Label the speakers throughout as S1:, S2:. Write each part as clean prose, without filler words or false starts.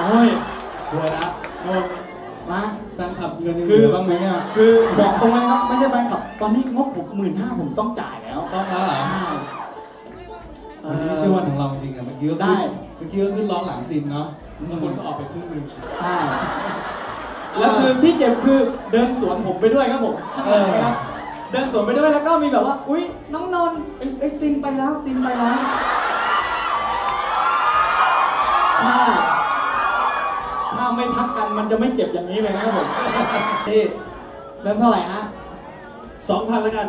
S1: อ้ย
S2: สวยนะ
S1: โอ้มา
S2: แฟนคลับเงินยังเหลือบ้างไหมเนี่ย
S1: คือบอกตรงเลยครับไม่ใช่แฟนคลับตอนนี้งบผม15,000ผมต้องจ่ายแล้ว
S2: ต้องแล้วเหรอวันนี้ไม่ใช่วันของเราจริงๆอะเมื่อกี้ก็ขึ้นร้องหลังซินเนาะแล้วคนก็ออกไปครึ่งนึง
S1: ใช่แล้วคือที่เจ็บคือเดินสวนผมไปด้วยครับผมข้างหลังนะครับเดินสวนไปด้วยแล้วก็มีแบบว่าอุ๊ยน้องนนท์ไอ้ซินไปแล้วซินไปแล้วถ้าไม่ทักกันมันจะไม่เจ็บอย่างนี้เลยนะครับผม
S2: ที่
S1: เดินเท่าไหร่ฮะ
S2: 2,000 แล้วกัน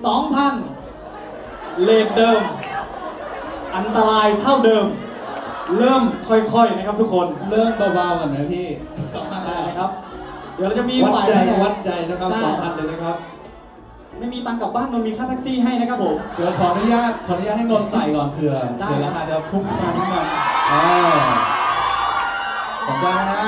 S1: 2,000 เลทเดิมอันตรายเท่าเดิมเริ่มค่อยๆนะครับทุกคน
S2: เริ่มเบาๆกันนะพี่2,000
S1: ได้ครับเดี๋ยวเราจะมี
S2: วัดใจนะครับ 2,000 เลยนะครับ
S1: ไม่มีตังค์กลับบ้านนนมีค่าแท็กซี่ให้นะครับผม
S2: เดี๋ยวขออนุญาตให้นนใส่ก่อนเผื่อราคาจะพุ่งขึ้นมานิดนึงสนใจนะฮะ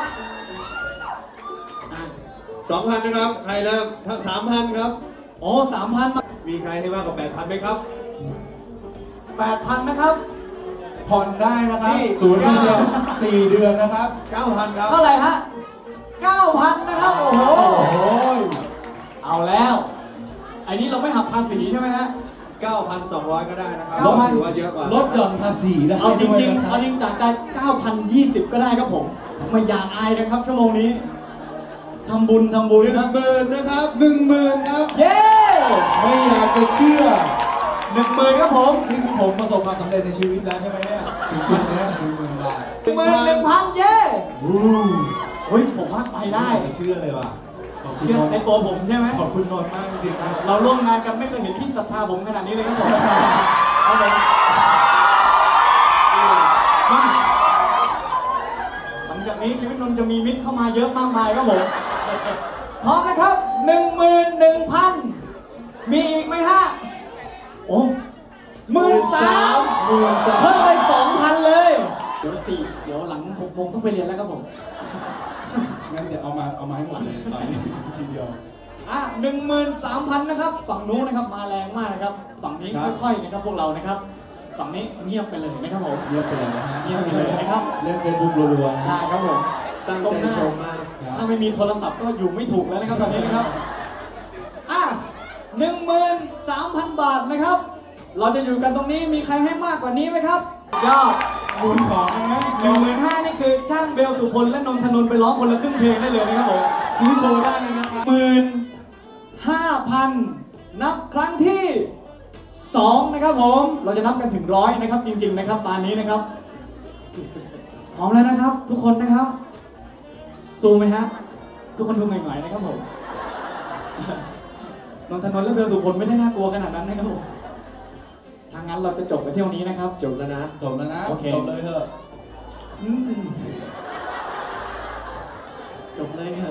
S3: 2,000 นะครับใครเริ่มถ้า 3,000 ครับ
S1: โอ้ 3,000
S3: มีใครให้มากกว่า 8,000 ไหมครับ
S1: 8,000 นะครับ
S2: ผ่อนได้นะครับ0 เดือน4 เดือนนะครับ
S3: 9,000 ครับ
S1: เท่าไหร่ฮะ 9,000 นะครับโอ้โหเอาแล้วไอ้นี้เราไม่หักภาษีใช่ไหมฮะ
S3: 9,200 ก็ได้นะครับถือว่าเยอะกว่า
S2: ลดหย่อนภาษีได้
S1: เอาจริงจากใจ 9,020 ก็ได้ครับผมไม่อยากอายกันครับชั่วโมงนี้ทำบุญนะ
S3: 10,000 นะครับ
S2: 10,000 ครับ
S1: เย้
S2: ไม่อยากจะเชื่อ
S1: 10,000 ครับผม
S2: นี่คือผมประสบความสำเร็จในชีวิตแล้วใช่ไหมเนี่ยถึงจุดนี้10,000 บาท
S1: 1,000 เย้เฮ้ยผมว่าไปได้
S2: เชื่อเลยว่ะ
S1: เชื่อในตัวผมใช่ไหม
S2: ขอบคุณนนท์มากจริงๆ
S1: เราร่วมงานกันไม่เคยเห็นที่ศรัทธาผมขนาดนี้เลยครับผมเอาเลยมาหลังจากนี้ชีวิตนนท์จะมีมิตรเข้ามาเยอะมากมายครับผมพร้อมนะครับ 11,000 มีอีกไหมฮะโอ้13,000เพิ่มไป 2,000 เลยเดี๋ยวหลัง 6 โมงต้องไปเรียนแล้วครับผม
S2: งั้นเดี๋ยวเอามาให้หมดเลยตอนนี้ทีเดียว
S1: 13,000 นะครับฝั่งนู้นนะครับมาแรงมากนะครับฝั่งนี้ค่อยๆนะครับพวกเรานะครับฝั่งนี้เงียบไปเลยนะครับผม
S2: เงียบไปเลยนะฮะ
S1: เงียบไปเลยนะครับ
S2: เล่นเฟซบุ๊กรัวๆ
S1: ได้ครับผม
S3: ตั้งใจชมมาก
S1: ถ้าไม่มีโทรศัพท์ก็อยู่ไม่ถูกแล้วนะครับตอนนี้นะครับ13,000 บาทนะครับเราจะอยู่กันตรงนี้มีใครให้มากกว่านี้ไหมครับยอด
S2: บุญของนะ
S1: 15,000 นี่คือจ้างเบลสุพลและนนทนนท์ไปร้องคนละครึ่งเพลงได้เลยนะครับผมซื้อโชว์ได้เลยนะครับ15,000 นับครั้งที่ 2นะครับผมเราจะนับกันถึง100นะครับจริงๆนะครับตอนนี้นะครับพร้อมแล้วนะครับทุกคนนะครับซูมไหมฮะทุกคนดูหน่อยๆนะครับผมนนทนนท์และเบลสุพลไม่ได้น่ากลัวขนาดนั้นนะครับผมทางนั้นเราจะจบไปเที่ยวนี้นะครับ
S3: จบแล้วนะ
S1: โอเค
S2: จบเลยเถอะ
S1: จบเลยเถอะ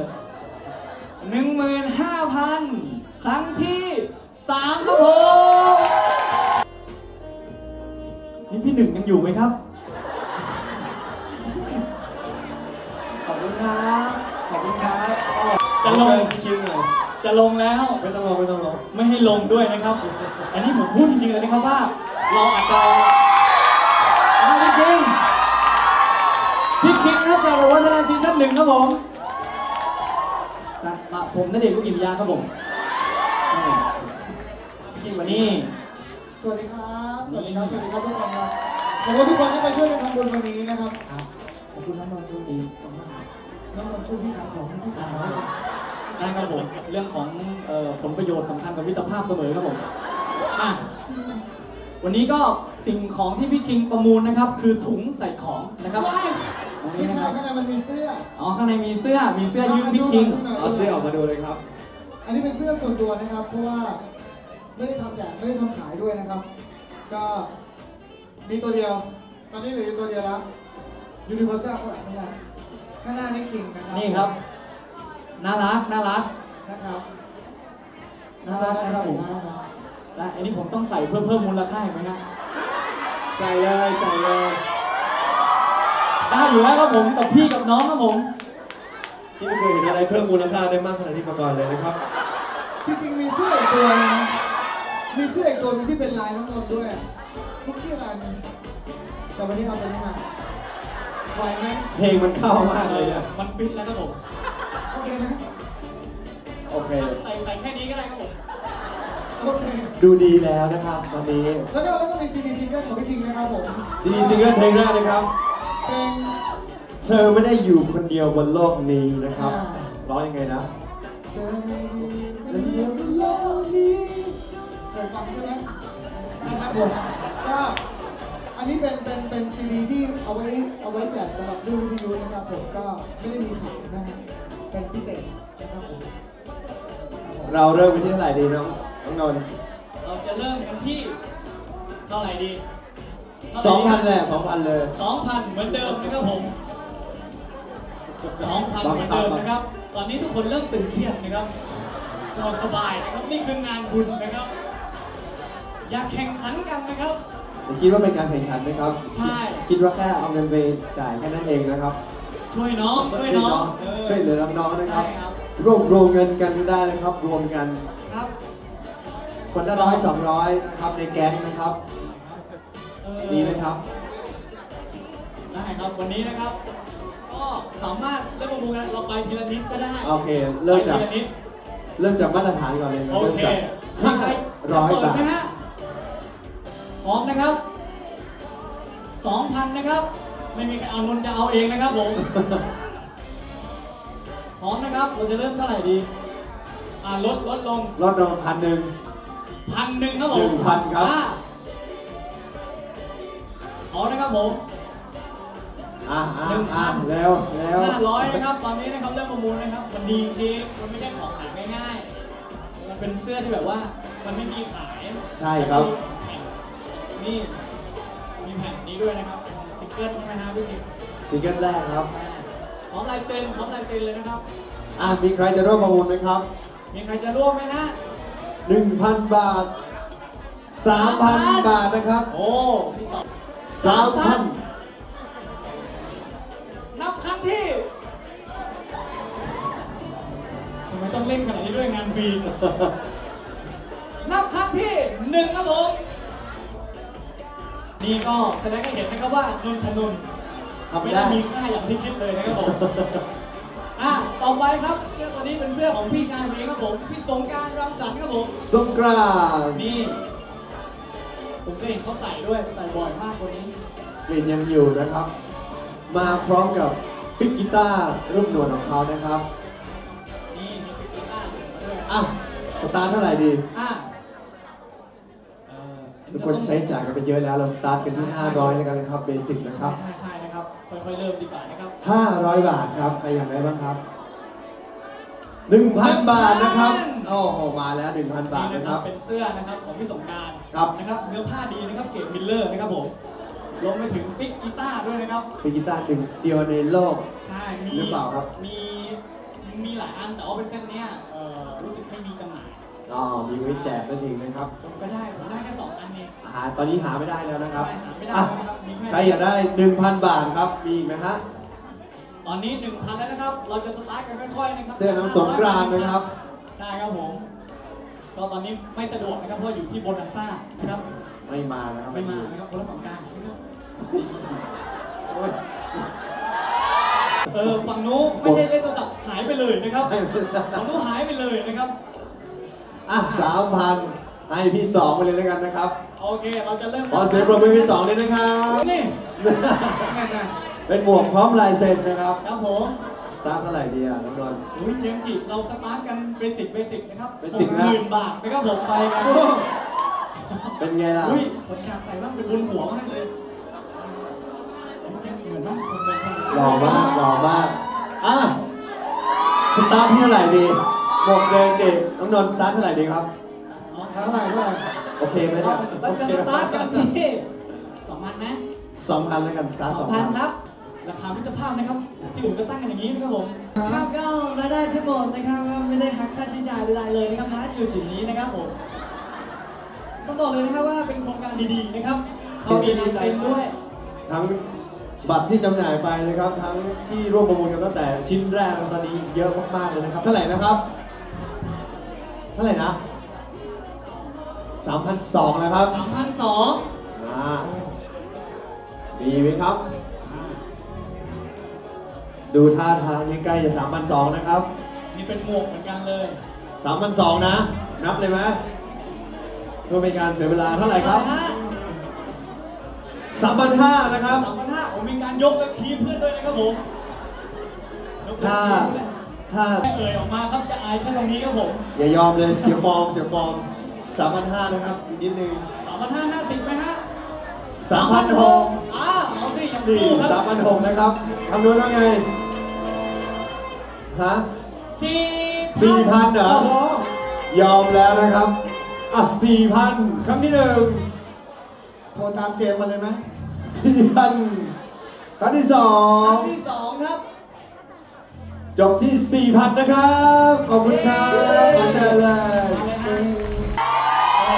S1: 15,000 ครั้งที่ 3ครับผมนี่ที่ 1ยังอยู่ไหมครับขอบคุณครับจะลงจะลงแล้ว
S3: ไม่ต้องลง
S1: ไม่ให้ลงด้วยนะครับ อันนี้ผมพูดจริงๆเลยนะครับว่าเราอาจจะพี่คิงครับจากวันทลายซีซั่น 1ครับผมผมณเดชน์ คุกิมิยะครับผมพี่คิงวันนี้
S4: สวัสดีครับทุกคนครับขอบคุณทุกคนที่มาช่วยกันทำบุญวันนี้นะครับขอบคุณน้องนนท์ด้วยน้องนนท์ช่วยพี่ขายของพี่ขาย
S1: ได้ครับผมเรื่องของผลประโยชน์สำคัญกับมิตรภาพเสมอครับผมวันนี้ก็สิ่งของที่พี่คิงประมูลนะครับคือถุงใส่ของนะครับ
S4: ไม่ใช่ข้างในมันมีเสื้อ
S1: ข้างในมีเสื้อยืมพี่คิง
S3: เอาเสื้อออกมาดูเลยครับ
S4: อันนี้เป็นเสื้อส่วนตัวนะครับเพราะว่าไม่ได้ทำแจกไม่ได้ทำขายด้วยนะครับก็มีตัวเดียวตอนนี้เหลือตัวเดียวแล้วยูนิเวอร์แซลไม่ใช่ข้างหน้านี่คิงนะครับ
S1: นี่ครับน่ารัก
S4: นะครับ
S1: นะครับผมและอันนี้ผมต้องใส่เพื่อเพิ่มมูลค่าไหมนะ
S3: ใส่เลย
S1: ได้อยู่แล้วครับผมกับพี่กับน้องครับผม
S3: ที่ไม่เคยเห็นอะไรเพิ่มมูลค่าได้มากขนาดนี้มาก่อนเลยนะครับ
S4: จริงๆมีเสื้ออีกตัวนึงนะมีเสื้ออีกตัวนึงที่เป็นลายน้องนนท์ด้วยคุกกี้ลายนึงแต่วันนี้เอาตัวนี้มาไหวไหม
S3: เพลงมันเข้ามากเลยอะ
S1: มันฟิตแล้วครับผม
S4: โอเคไหม
S3: โอเค
S1: ใส่แค่นี้ก็ได้ครับผม
S4: โอเค
S3: ดูดีแล้วนะครับตอนนี้
S4: แล้วก็มีซีดีซิงเกิลของพี่ทิงนะครับผม
S3: ซีดีซิงเกิลเพลงแรกนะครับ
S4: เพลง
S3: เธอไม่ได้อยู่คนเดียวบนโลกนี้นะครับ ร้องยังไงนะ
S4: เธอไม่ได้คนเดียวบนโลกนี้เคยฟังใช่ไหมนะครับผมก็อันนี้เป็นซีดีที่เอาไว้แจกสำหรับรุ่นวิทยุนะครับผมก็ไม่ได้มีขายนะฮะเป็นพิเศษนะครับผม
S3: เราเริ่มไปที่เท่าไหร่ดีน้องนนท์
S1: เราจะเริ่มกันที่เท่าไหร่ดี
S3: 2,000แหละ2,000เลย
S1: 2,000 เหมือนเดิมนะครับผม 2,000 เหมือนเดิมนะครับ ตอนนี้ทุกคนเริ่มตึงเครียดนะครับนอนสบายนะครับ นี่คืองานบุญนะครับ อยากแข่งขันกันนะครับ
S3: คิดว่าเป็นการแข่งขันไหมครับ
S1: ใช่
S3: คิดว่าแค่เอาเงินไปจ่ายแค่นั้นเองนะครับ
S1: ช่วยน้องช่วยน้อง
S3: ช่วยเหลือน้องๆนะครับ
S1: ใช่ครับ
S3: รวบรวมเงินกันได้นะครับ รวมกัน
S1: ครับ
S3: คนละ100-200นะครับในแก๊งนะครับ ดีไหมครับ
S1: ได้ครับวันนี้นะครับ ก็สามารถเริ่มประมูลกันเราไปทีละนิดก็ได้
S3: โอเค เริ่มจาก
S1: ไปทีละนิด
S3: มาตรฐานก่อนเลยนะ
S1: โอ
S3: เริ่ม
S1: เค
S3: จาก
S1: มีใครจะ
S3: 500
S1: เปิด
S3: บาท
S1: ไหมฮะพร้อมนะครับ 2,000 นะครับ ไม่มีใครเอานนท์จะเอาเองนะครับผม พร้อมนะครับ เราจะเริ่มเท่าไหร่ดี ลดลง
S3: ลดลง1,000
S1: 1,000ครับผม
S3: 1,000ครับ
S1: เอานะครับผม
S3: เร็ว
S1: 500นะครับ ตอนนี้นะครับเริ่มประมูลนะครับ มันดีจริง มันไม่ใช่ของขายง่ายๆ มันเป็นเสื้อที่แบบว่ามันไม่มีขาย
S3: ใช่ครับ
S1: นี่มีแผ่นนี้ด้วยนะครับเป็นซิงเกิลใช่ไหมฮะพี่ติ๊ก
S3: ซิงเกิลแรกครับ
S1: พร้อมลายเซ็นเลยนะครับ
S3: มีใครจะร่วมประมูลไหมครับ
S1: มีใครจะร่วมไหมฮะ
S3: 1,000 บาท 3,000 บาทนะครับ
S1: โอ้ที่สอง
S3: 3,000
S1: นับครั้งที่ทำไมต้องเล่นขนาดนี้ด้วยงานฟรี นับครั้งที่1ครับผม นี่ก็แสดงให้เห็นนะครับว่านนทนนท์
S3: ทำ
S1: ไม่
S3: ได้
S1: ได้มีค่าอย่างที่คิดเลยนะครับผม ต่อไปครับเสื้อตัวนี้เป็นเสื้อของพี่ชายเองครับผมพี่สงกรานต์รังสรรค์ครับผม
S3: สงกรานต์
S1: นี่ผมก็เห็นเขาใส่ด้วยใส่บ่อยมากตัวนี้
S3: กลิ่นยังอยู่นะครับ มาพร้อมกับปิกกีตาร์รูปหนวดของเขานะครับ
S1: นี่มีปิกกีตาร์มาด้วย
S3: สตาร์ทเท่าไหร่ดี
S1: อ่ะ
S3: ทุกคนใช้จ่ายกันไปเยอะแล้ว เราสตาร์ทกันที่ 500แล้วกันนะครับ เบสิกนะครับ
S1: ใช่นะครับค่อยๆเริ่มดีกว่านะครับ
S3: 500 บาทครับ ใครอยากได้บ้างครับ 1,000 บาทนะครับ โอ้โห มาแล้ว 1,000 บาทนะครับ
S1: เป็นเสื้อนะครับของพี่สงกรานต์
S3: ครับ
S1: นะครับเนื้อผ้าดีนะครับเกรดมิลเลอร์นะครับผมรวมไปถึงปิกกีตาร์ด้วยนะครับ
S3: ปิกกีตาร์หนึ่งเดียวในโลก
S1: ใช่มี
S3: หรือเปล่าครับ
S1: มีหลายอันแต่ว่าเป็นเส้นเนี้ยรู้สึกไม่มีจำหน่าย
S3: มีไว้แจกนั่นเองนะครับ
S1: ผมได้แค่2 อันเอง
S3: ตอนนี้หาไม่ได้แล้วนะครับ
S1: ใช่หาไม่ได้
S3: อ่ะ
S1: แล้วนะครับมีแค่
S3: ใครอยากได้ 1,000 บาทครับ มีอีกไหมฮะ
S1: ตอนนี้ 1,000 แล้วนะครับ เราจะสตาร์ทกันค่อยๆนะครับ
S3: เสื้อน้องสงกรานต์นะครับ
S1: ใช่ครับผม ก็ตอนนี้ไม่สะดวกนะครับเพราะอยู่ที่โบนัสซ่านะครับ
S3: ไม่มานะครับ
S1: ไม่มานะครับคนละ2 การ
S3: โอ้ย
S1: ฝั่งนู้นไม่ใช่เล่นโทรศัพท์หายไปเลยนะครับ ฝั่งนู้นหายไปเลยนะครับ
S3: 3,000 ให้พี่สองไปเลยแล้วกันนะครับ
S1: โอเค เราจะเริ่ม
S3: ขอเสียงปรบมือพี่สองเลยนะครับ
S1: นี่
S3: เป็นหมวกพร้อมลายเซ็นนะครับ
S1: ครับผม
S3: สตาร์ทเท่าไหร่ดีอ่ะน้องนนท์
S1: อุ้ยเจมส์จิเราสตาร์ทกันเบสิกนะครับ
S3: Basic นะ
S1: 10,000 บาทนะครับผมไปกัน
S3: เป็นไงล่ะ
S1: อุ้ยคนอยากใส่บ้างเป็นบนหัวมากเลยเจมส์เหมือนมากคนเป็นคน
S3: หล่อมากหล่อมากสตาร์ทที่เท่าไหร่ดีหมวกเจน้องนนท์สตาร์ทเท่าไหร่ดีครับ
S4: เท่าไหร่
S3: โอเคไหมเนี่ย
S1: เราจะสตาร์ทกันที่2,000นะ
S3: 2,000แล้วกันสตาร์ท
S1: 2,000 ครับ ราคามิตรภาพนะครับ ที่ผมก็ตั้งกันอย่างนี้นะครับผมครับก็รายได้ทั้งหมดนะครับไม่ได้หักค่าใช้จ่ายใดๆเลยนะครับณจุดนี้นะครับผมต้องบอกเลยนะครับว่าเป็นโครงการดีๆนะครับเขามีลายเซ็นด้วย
S3: ทั้งบัตรที่จำหน่ายไปนะครับ ทั้งที่ร่วมประมูลกันตั้งแต่ชิ้นแรกตอนนี้เยอะมากๆเลยนะครับ เท่าไหร่นะครับ เท่าไหร่นะ 3,200แล้วครับ
S1: 3,200
S3: มีไหมครับดูท่าทางนี้ใกล้จะ3,200นะครับ
S1: นี่เป็นหมวกเหมือนกันเลย
S3: 3,200นะ นับเลยไหมเพื่อเป็นการเสียเวลาเท่าไหร่ครับ 3,500นะครับ
S1: 3,500ผมมีการยกและชี้เพื่อนด้วยนะครับผมยกและ
S3: ถ้า
S1: ชี้ด้วย
S3: ถ้า
S1: ไม่เอ่ยออกมาครับจะอายแค่ตรงนี้ครับผม
S3: อย่ายอมเลยเสียฟอร์ม 3,500นะครับอีกนิดนึง
S1: 3,550ไหมฮะ
S3: 3,600
S1: เอาสิยัง
S3: นี่
S1: สู้ครับ
S3: 3,600นะครับคำนวณว่าไง ฮะ 4,000เหรอ
S1: โอ้โห
S3: ยอมแล้วนะครับอ่ะ4,000คำที่หนึ่ง
S4: โทรตามเจมส์มาเลยไหม
S3: 4,000คำที่สอ
S1: ครั้
S3: ง
S1: งที่2ครับ
S3: จบที่ 4,000 นะครับ ขอบคุณครับขอเชิญเลย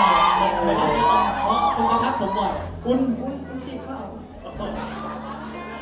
S1: เพราะคุณจะทักผมบ่อยคุณจิกเปล่า